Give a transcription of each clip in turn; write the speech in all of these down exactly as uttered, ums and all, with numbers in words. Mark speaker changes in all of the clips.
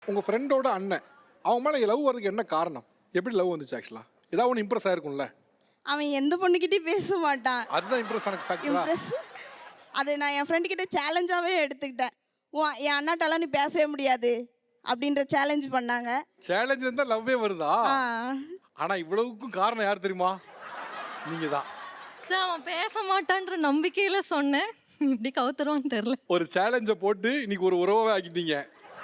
Speaker 1: உங்கள் ஃப்ரெண்டோட அண்ணன் அவன் மேலே லவ் வரதுக்கு என்ன காரணம்? எப்படி லவ் வந்துச்சு? ஆக்சுவலாக ஏதாவது ஒன்று இம்ப்ரெஸ் ஆயிருக்கும்ல.
Speaker 2: அவன் எந்த பொண்ணுக்கிட்டே பேச மாட்டான்.
Speaker 1: அதுதான் இம்ப்ரெஸ் ஆன ஃபேக்ட்.
Speaker 2: இம்ப்ரெஸ் அதை நான் என் ஃப்ரெண்டு கிட்ட சேலஞ்சாகவே எடுத்துக்கிட்டேன். உன் என் அண்ணாட்டெல்லாம் நீ பேசவே முடியாது அப்படின்ற சேலஞ்ச் பண்ணாங்க.
Speaker 1: சேலஞ்ச் இருந்தால் லவ்வே வருதா?
Speaker 2: ஆ.
Speaker 1: ஆனால் இவ்வளவுக்கும் காரணம் யார் தெரியுமா? நீங்கள் தான்.
Speaker 3: சார் அவன் பேச மாட்டான்ற நம்பிக்கையில சொன்னேன். இப்படி கவுத்துருவான்னு தெரியல.
Speaker 1: ஒரு சேலஞ்சை போட்டு இன்னைக்கு ஒரு உறவாகவே ஆக்கிட்டீங்க.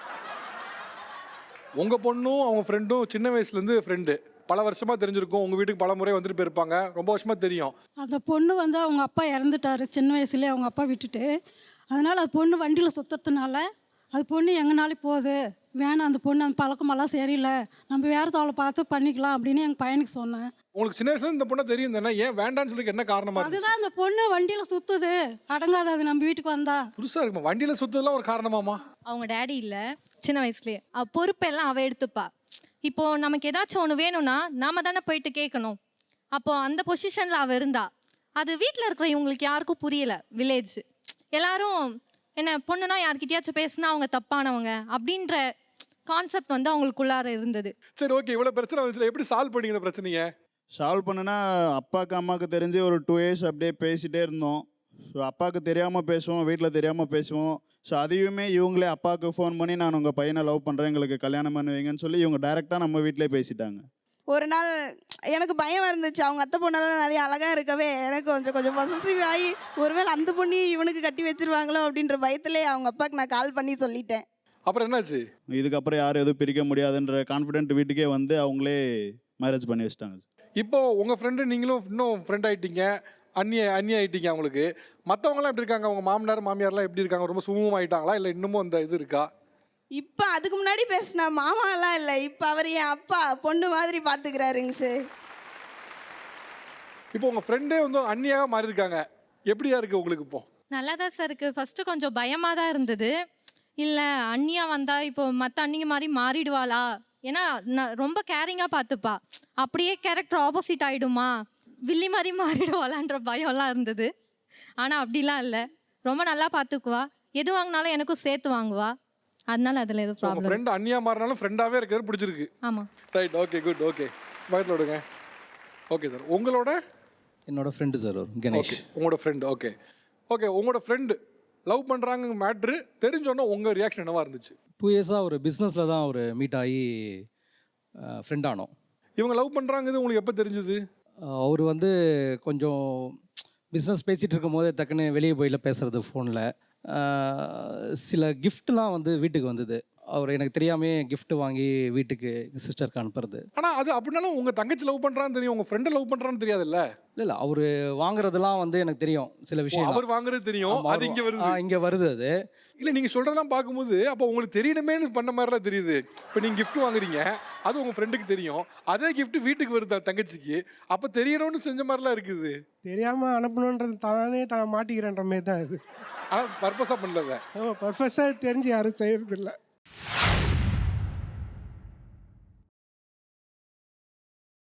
Speaker 1: உங்கள் பொண்ணும் அவங்க ஃப்ரெண்டும் சின்ன வயசுலேருந்து ஃப்ரெண்டு, பல வருஷமாக தெரிஞ்சிருக்கும். உங்கள் வீட்டுக்கு பல முறை வந்துட்டு போயிருப்பாங்க, ரொம்ப வருஷமாக தெரியும்.
Speaker 4: அந்த பொண்ணு வந்து அவங்க அப்பா இறந்துட்டாரு சின்ன வயசுலேயே, அவங்க அப்பா விட்டுட்டு. அதனால் அது பொண்ணு வண்டியில் சுற்றுறதுனால அது பொண்ணு எங்கனாலும் போகுது, வேணாம் அந்த பொண்ணு அந்த பழக்கமெல்லாம் சரியில்லை, நம்ம வேறு தவளை பார்த்து பண்ணிக்கலாம் அப்படின்னு எங்கள் பையனுக்கு சொன்னேன்.
Speaker 1: உங்களுக்கு சின்ன வயசுல இந்த பொண்ணை தெரியும் தானே, ஏன் வேண்டான்னு சொல்லி என்ன காரணமா இருக்கு?
Speaker 4: அதுதான் அந்த பொண்ணு வண்டியில் சுற்றுது, அடங்காது அது நம்ம வீட்டுக்கு வந்தா.
Speaker 1: புதுசாக இருக்குமா? வண்டியில் சுற்றுதெல்லாம் ஒரு காரணமாமா?
Speaker 3: அவங்க டேடி இல்லை, சின்ன வயசுலேயே அவ பொறுப்பெல்லாம் அவள் எடுத்துப்பா. இப்போ நமக்கு ஏதாச்சும் ஒன்று வேணும்னா நாம தானே போயிட்டு கேட்கணும். அப்போ அந்த பொசிஷனில் அவள் இருந்தா. அது வீட்டில் இருக்கிற இவங்களுக்கு யாருக்கும் புரியல. வில்லேஜ் எல்லாரும் என்ன பொண்ணுனா யார்கிட்டயாச்சும் பேசுனா அவங்க தப்பானவங்க அப்படின்ற கான்செப்ட் வந்து அவங்களுக்குள்ளார இருந்தது.
Speaker 1: சரி, ஓகே. இவ்வளோ பிரச்சனை வந்துச்சுல, எப்படி சால்வ் பண்ணீங்க இந்த பிரச்சனையை?
Speaker 5: சால்வ் பண்ணுனா அப்பாவுக்கு அம்மாவுக்கு தெரிஞ்சு ஒரு டூ இயர்ஸ் அப்படியே பேசிகிட்டே இருந்தோம். ஸோ அப்பாவுக்கு தெரியாமல் பேசுவோம், வீட்டில் தெரியாமல் பேசுவோம். ஸோ அதையுமே இவங்களே அப்பாவுக்கு ஃபோன் பண்ணி நான் உங்கள் பையனை லவ் பண்ணுறேன், எங்களுக்கு கல்யாணம் பண்ணுவீங்கன்னு சொல்லி இவங்க டைரெக்டாக நம்ம வீட்டிலே பேசிட்டாங்க.
Speaker 2: ஒரு நாள் எனக்கு பயம் இருந்துச்சு. அவங்க அத்தை பொண்ணெல்லாம் நிறைய அழகாக இருக்கவே எனக்கு கொஞ்சம் கொஞ்சம் பொசசிவ் ஆகி ஒருவேளை அந்த பொண்ணி இவனுக்கு கட்டி வச்சிருவாங்களோ அப்படின்ற பயத்திலே அவங்க அப்பாவுக்கு நான் கால் பண்ணி சொல்லிட்டேன்.
Speaker 1: அப்புறம் என்னாச்சு?
Speaker 5: இதுக்கப்புறம் யாரும் எதுவும் பிரிக்க முடியாதுன்ற கான்ஃபிடென்ட் வீட்டுக்கே வந்து அவங்களே மேரேஜ் பண்ணி வச்சிட்டாங்க.
Speaker 1: இப்போ உங்கள் ஃப்ரெண்டு நீங்களும் இன்னும் ஃப்ரெண்ட் ஆகிட்டீங்க, அந்நிய அந்நிய ஆகிட்டீங்க. அவங்களுக்கு மற்றவங்களாம் எப்படி இருக்காங்க? அவங்க மாமனார் மாமியார்லாம் எப்படி இருக்காங்க? ரொம்ப சுமூகமாக ஆகிட்டாங்களா, இல்லை இன்னமும் அந்த இது இருக்கா?
Speaker 2: இப்போ அதுக்கு முன்னாடி பேசினா மாமாலாம் இல்லை, இப்போ அவர் என் அப்பா பொண்ணு மாதிரி பார்த்துக்கிறாருங்க சார்.
Speaker 1: இப்போ உங்கள் ஃப்ரெண்டே வந்து அந்நியாக மாறி இருக்காங்க, எப்படியா இருக்குது உங்களுக்கு? இப்போ
Speaker 3: நல்லா தான் சார் இருக்குது. ஃபஸ்ட்டு கொஞ்சம் பயமாக தான் இருந்தது. இல்லை அண்ணியா வந்தால் இப்போ மற்ற அண்ணிங்க மாதிரி மாறிடுவாளா, ஏன்னா நான் ரொம்ப கேரிங்காக பார்த்துப்பா, அப்படியே கேரக்டர் ஆப்போசிட் ஆகிடுமா, வில்லி மாதிரி மாறிடுவாளான்ற பயம்லாம் இருந்தது. ஆனால் அப்படிலாம் இல்லை, ரொம்ப நல்லா பார்த்துக்குவா. எது வாங்கினாலும் எனக்கும் சேர்த்து வாங்குவா. அதனால அதில் எதுவும் ப்ராப்ளம்.
Speaker 1: ஃப்ரெண்ட் அந்நியா மாறினாலும் ஃப்ரெண்டாகவே இருக்கிறது பிடிச்சிருக்கு.
Speaker 3: ஆமாம்,
Speaker 1: ரைட், ஓகே, குட், ஓகே. பயத்தில் விடுங்க. ஓகே சார், உங்களோட
Speaker 6: என்னோட ஃப்ரெண்டு சார் ஒரு கணேஷ்.
Speaker 1: உங்களோட ஃப்ரெண்டு, ஓகே ஓகே. உங்களோட ஃப்ரெண்டு லவ் பண்ணுறாங்க மேட்ரு தெரிஞ்சோன்னா உங்கள் ரியாக்ஷன் என்னவா இருந்துச்சு?
Speaker 6: டூ இயர்ஸாக ஒரு பிஸ்னஸில் தான் ஒரு மீட் ஆகி ஃப்ரெண்ட் ஆனோம்.
Speaker 1: இவங்க லவ் பண்ணுறாங்கிறது உங்களுக்கு எப்போ தெரிஞ்சுது?
Speaker 6: அவர் வந்து கொஞ்சம் பிஸ்னஸ் பேசிகிட்டு இருக்கும் போதே டக்குன்னு வெளியே போயில பேசுகிறது ஃபோனில். சில கிஃப்ட்லாம் வந்து வீட்டுக்கு வந்தது. அவர் எனக்கு தெரியாமே gift வாங்கி வீட்டுக்கு சிஸ்டருக்கு அனுப்புறது.
Speaker 1: ஆனால் அது அப்படின்னாலும் உங்கள் தங்கச்சி லவ் பண்ணுறான்னு தெரியும், உங்கள் ஃப்ரெண்டை லவ் பண்ணுறான்னு தெரியாதுல்ல?
Speaker 6: இல்லை இல்லை அவர் வாங்குறதெல்லாம் வந்து எனக்கு தெரியும் சில விஷயம்.
Speaker 1: அவர் வாங்குறது தெரியும், அது இங்கே வருது.
Speaker 6: இங்கே வருது அது.
Speaker 1: இல்லை, நீங்கள் சொல்கிறதெல்லாம் பார்க்கும்போது அப்போ உங்களுக்கு தெரியணுமேனு பண்ண மாதிரிலாம் தெரியுது. இப்போ நீங்கள் gift வாங்குறீங்க, அது உங்கள் ஃப்ரெண்டுக்கு தெரியும், அதே gift வீட்டுக்கு வருது தங்கச்சிக்கு, அப்போ தெரியணும்னு செஞ்ச மாதிரிலாம் இருக்குது.
Speaker 7: தெரியாமல் அனுப்பணுன்றது தானே தான் மாட்டிக்கிறேன்ற மாதிரி தான் இது.
Speaker 1: ஆனால் பர்பஸாக பண்ணல.
Speaker 7: ஆமாம், பர்பஸாக தெரிஞ்சு யாரும் செய்யறதில்லை.